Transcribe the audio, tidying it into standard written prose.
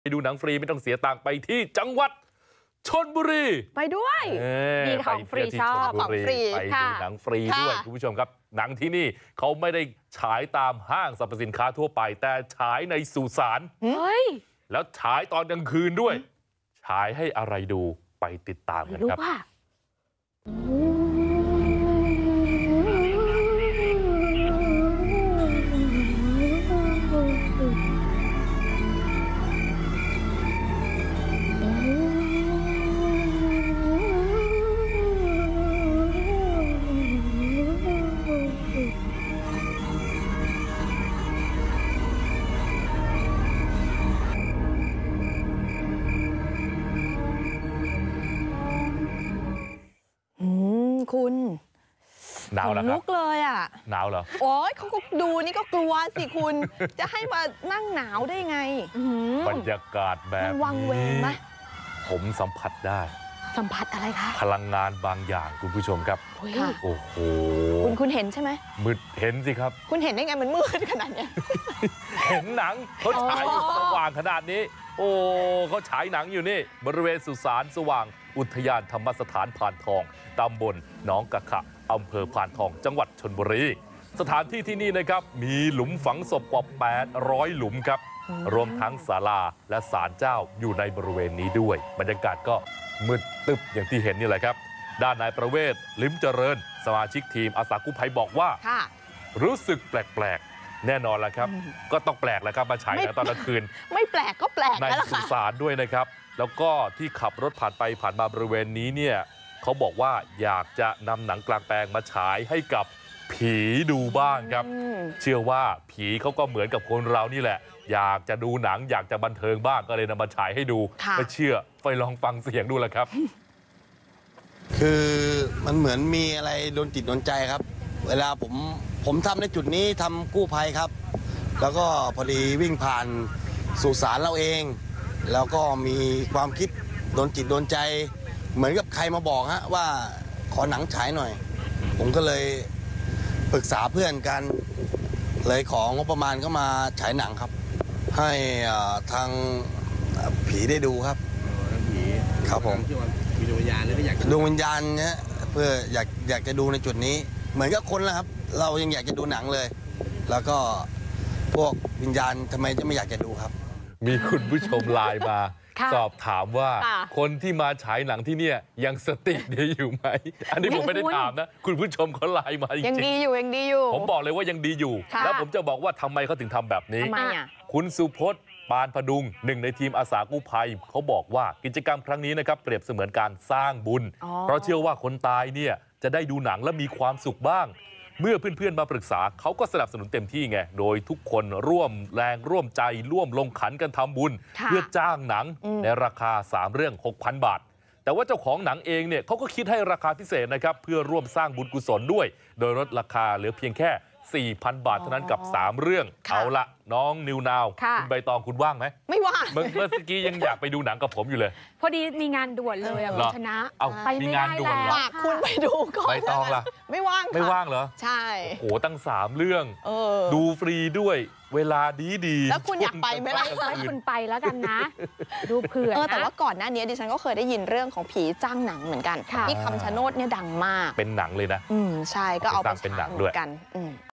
ไปดูหนังฟรีไม่ต้องเสียตังค์ไปที่จังหวัดชลบุรีไปด้วยมีของฟรีชอบของฟรีไปดูหนังฟรีด้วยคุณผู้ชมครับหนังที่นี่เขาไม่ได้ฉายตามห้างสรรพสินค้าทั่วไปแต่ฉายในสุสานแล้วฉายตอนกลางคืนด้วยฉายให้อะไรดูไปติดตามกันครับคุณหนาวแล้วครับลุกเลยอ่ะหนาวเหรอโอ้ยเขาก็ดูนี่ก็กลัวสิคุณจะให้มานั่งหนาวได้ไงบรรยากาศแบบวังเวงไหมผมสัมผัสได้สัมผัสอะไรคะพลังงานบางอย่างคุณผู้ชมครับโอ้โหคุณเห็นใช่ไหมมืดเห็นสิครับคุณเห็นได้ไงมันมืดขนาดนี้เห็นหนังเขาฉายสว่างขนาดนี้โอ้เขาฉายหนังอยู่นี่บริเวณสุสานสว่างอุทยานธรรมสถานพานทองตำบลหนองกะขะอำเภอพานทองจังหวัดชลบุรีสถานที่ที่นี่นะครับมีหลุมฝังศพกว่า800หลุมครับรวมทั้งศาลาและศาลเจ้าอยู่ในบริเวณนี้ด้วยบรรยากาศก็มืดตึบอย่างที่เห็นนี่แหละครับด้านนายประเวศลิ้มเจริญสมาชิกทีมอาสากู้ภัยบอกว่ารู้สึกแปลกๆแน่นอนแล้วครับก็ต้องแปลกแล้วครับมาฉายตอนกลางคืนไม่แปลกก็แปลกในสุสานด้วยนะครับแล้วก็ที่ขับรถผ่านไปผ่านมาบริเวณนี้เนี่ยเขาบอกว่าอยากจะนำหนังกลางแปลงมาฉายให้กับผีดูบ้างครับเชื่อว่าผีเขาก็เหมือนกับคนเรานี่แหละอยากจะดูหนังอยากจะบันเทิงบ้างก็เลยนำมาฉายให้ดูไม่เชื่อไปลองฟังเสียงดูแหละครับคือมันเหมือนมีอะไรโดนจิตโดนใจครับเวลาผมทำในจุดนี้ทำกู้ภัยครับแล้วก็พอดีวิ่งผ่านสุสานเราเองแล้วก็มีความคิดโดนจิตโดนใจเหมือนกับใครมาบอกฮะว่าขอหนังฉายหน่อยผมก็เลยปรึกษาเพื่อนกันเลยของงบประมาณก็มาฉายหนังครับให้ทางผีได้ดูครับผีครับผมมีดวงวิญญาณเลยอยากดวงวิญญาณเนี่ยเพื่ออยากจะดูในจุดนี้เหมือนกับคนแล้วครับเรายังอยากจะดูหนังเลยแล้วก็พวกวิญญาณทำไมจะไม่อยากจะดูครับมีคุณผู้ชมไลน์มาสอบถามว่าคนที่มาฉายหนังที่เนี่ยยังสติดีอยู่ไหมอันนี้ผมไม่ได้ถามนะคุณผู้ชมเขาไลน์มาจริงๆยังดีอยู่ผมบอกเลยว่ายังดีอยู่แล้วผมจะบอกว่าทำไมเขาถึงทำแบบนี้คุณสุพจน์ปานพดุงหนึ่งในทีมอาสากู้ภัยเขาบอกว่ากิจกรรมครั้งนี้นะครับเปรียบเสมือนการสร้างบุญเพราะเชื่อว่าคนตายเนี่ยจะได้ดูหนังและมีความสุขบ้างเมื่อเพื่อนๆมาปรึกษาเขาก็สนับสนุนเต็มที่ไงโดยทุกคนร่วมแรงร่วมใจร่วมลงขันกันทำบุญเพื่อจ้างหนังในราคา3เรื่อง 6,000 บาทแต่ว่าเจ้าของหนังเองเนี่ยเขาก็คิดให้ราคาพิเศษนะครับเพื่อร่วมสร้างบุญกุศลด้วยโดยลดราคาเหลือเพียงแค่ 4,000 บาทเท่านั้นกับ3เรื่องเอาละน้องนิวนาวคุณใบตองคุณว่างไหมไม่ว่างเมื่อกี้ยังอยากไปดูหนังกับผมอยู่เลยพอดีมีงานด่วนเลยคุณชนะไปไม่ได้แล้วฝากคุณไปดูก่อนใบตองล่ะไม่ว่างไม่ว่างเหรอใช่โอ้โหตั้ง3เรื่องดูฟรีด้วยเวลาดีแล้วคุณอยากไปไหมล่ะให้คุณไปแล้วกันนะดูเผื่อแต่ว่าก่อนหน้านี้ดิฉันก็เคยได้ยินเรื่องของผีจ้างหนังเหมือนกันที่คำชะโนดเนี่ยดังมากเป็นหนังเลยนะใช่ก็เอาไปเป็นหนังด้วยกัน